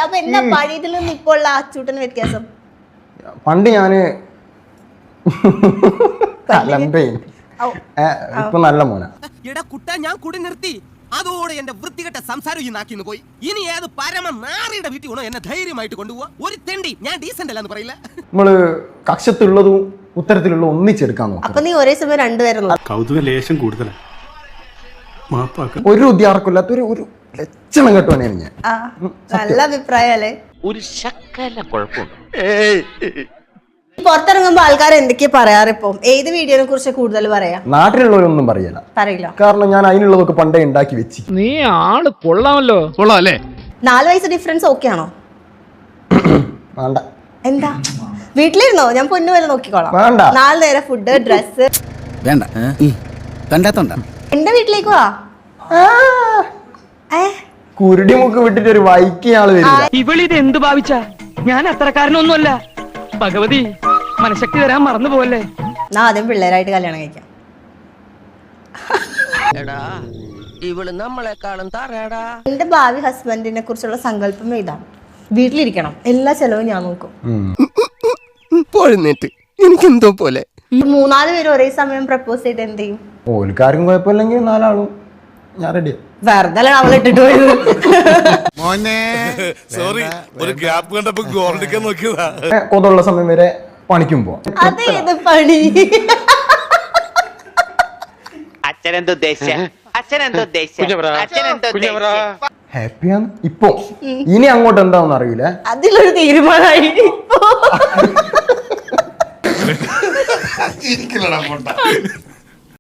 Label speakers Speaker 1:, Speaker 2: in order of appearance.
Speaker 1: അപ്പൊ എന്താ പഴയതിൽ നിന്ന് ഇപ്പോൾ ഉള്ള അച്ചൂട്ടന് വ്യത്യാസം?
Speaker 2: പണ്ട് ഞാന് ഇപ്പൊ നല്ല മോന.
Speaker 3: എടാ കുട്ടാ, ഞാൻ കുടി നിർത്തി. അതോടെ എന്റെ വൃത്തികെട്ട സംസാരം ഈ നാക്കിന്ന് പോയി. ഇനി ഏത് പരമ നാറിയുടെ വീട്ടിൽ വേണോ എന്നെ ധൈര്യമായിട്ട് കൊണ്ടുപോവാ? ഒരു തെണ്ടി ഞാൻ ഡീസന്റ് അല്ലാന്ന് പറയില്ല.
Speaker 2: നമ്മള് കക്ഷത്തുള്ളതും ഉത്തരത്തിലുള്ള ഒന്നിച്ചെടുക്കാൻ നോക്കും.
Speaker 1: അപ്പൊ നീ ഒരേ സമയം രണ്ടുപേരും
Speaker 4: കൗതുക ലേശം കൂടുതലാണ്.
Speaker 2: ഒരു ഉദ്യാർക്കില്ലാത്ത ഒരു ലക്ഷണം കെട്ടുവാനാണ് ഞാൻ.
Speaker 1: നല്ല അഭിപ്രായം അല്ലേ?
Speaker 5: ഒരു ശക്കല കുഴപ്പമുണ്ട്.
Speaker 1: പുറത്തിറങ്ങുമ്പോ ആൾക്കാർ എന്തൊക്കെയാ പറയാറ്? ഇപ്പൊ ഏത് വീഡിയോനെ കുറിച്ച് കൂടുതൽ പറയാ?
Speaker 2: നാട്ടിലുള്ളവരൊന്നും പറയില്ല, കാരണം ഞാൻ അതിനുള്ളതൊക്കെ പണ്ടേ ഉണ്ടാക്കി വെച്ച്.
Speaker 6: നീ ആള് കൊള്ളാമല്ലോ. കൊള്ളാം അല്ലേ?
Speaker 1: 4 വയസ്സ് ഡിഫറൻസ് ഓക്കെ ആണോ?
Speaker 2: വേണ്ട.
Speaker 1: എന്താ വീട്ടിലിരുന്നോ? ഞാൻ പൊന്നു വരെ നോക്കിക്കോളാം.
Speaker 2: വേണ്ട.
Speaker 1: 4 നേരം ഫുഡ്, ഡ്രസ്
Speaker 7: വേണ്ട. കണ്ടാത്തോണ്ട
Speaker 1: എന്റെ വീട്ടിലേക്ക് വാ.
Speaker 2: കുരുടി മുക്ക് വിട്ടിട്ട് ഒരു വൈക്ക് ആള് വരില്ല.
Speaker 6: ഇവളിത് എന്ത് ഭാവിച്ച? ഞാൻ അത്രക്കാരനൊന്നുമല്ല. ഭഗവതി മനഃശക്തി തരാൻ മറന്നു പോവല്ലേ.
Speaker 1: ഞാൻ ആദ്യം പിള്ളേരായിട്ട് കല്യാണം കഴിക്കാം.
Speaker 3: ഇവള് നമ്മളെക്കാളും തറയടാ.
Speaker 1: എന്റെ ഭാവി ഹസ്ബൻഡിനെ കുറിച്ചുള്ള സങ്കല്പം ഇതാണ്: വീട്ടിലിരിക്കണം, എല്ലാ ചെലവും ഞാൻ നോക്കും.
Speaker 3: പോഴുന്നേറ്റ് എനിക്കെന്തോ പോലെ.
Speaker 1: 3-4 പേര് ഒരേ സമയം പ്രപ്പോസ് ചെയ്ത് എന്ത് ചെയ്യും?
Speaker 2: ഓൽക്കാർക്കും കുഴപ്പമില്ലെങ്കിൽ 4 ആളും ഞാൻ റെഡിയാ.
Speaker 1: വെറുതെ അവളെ ഇട്ടിട്ട് പോയത്.
Speaker 4: സോറി, ഒരു ഗ്യാപ്പ് കണ്ടപ്പോ ഗോൾഡിക്കാൻ നോക്കിയതാ.
Speaker 2: കൊതുള്ള സമയം വരെ പണിക്കും പോവാം.
Speaker 1: അതേത് പണി?
Speaker 2: ഹാപ്പിയാണ് ഇപ്പൊ. ഇനി അങ്ങോട്ട് എന്താണെന്ന് അറിയില്ല.
Speaker 1: അതിലൊരു തീരുമാനമായി.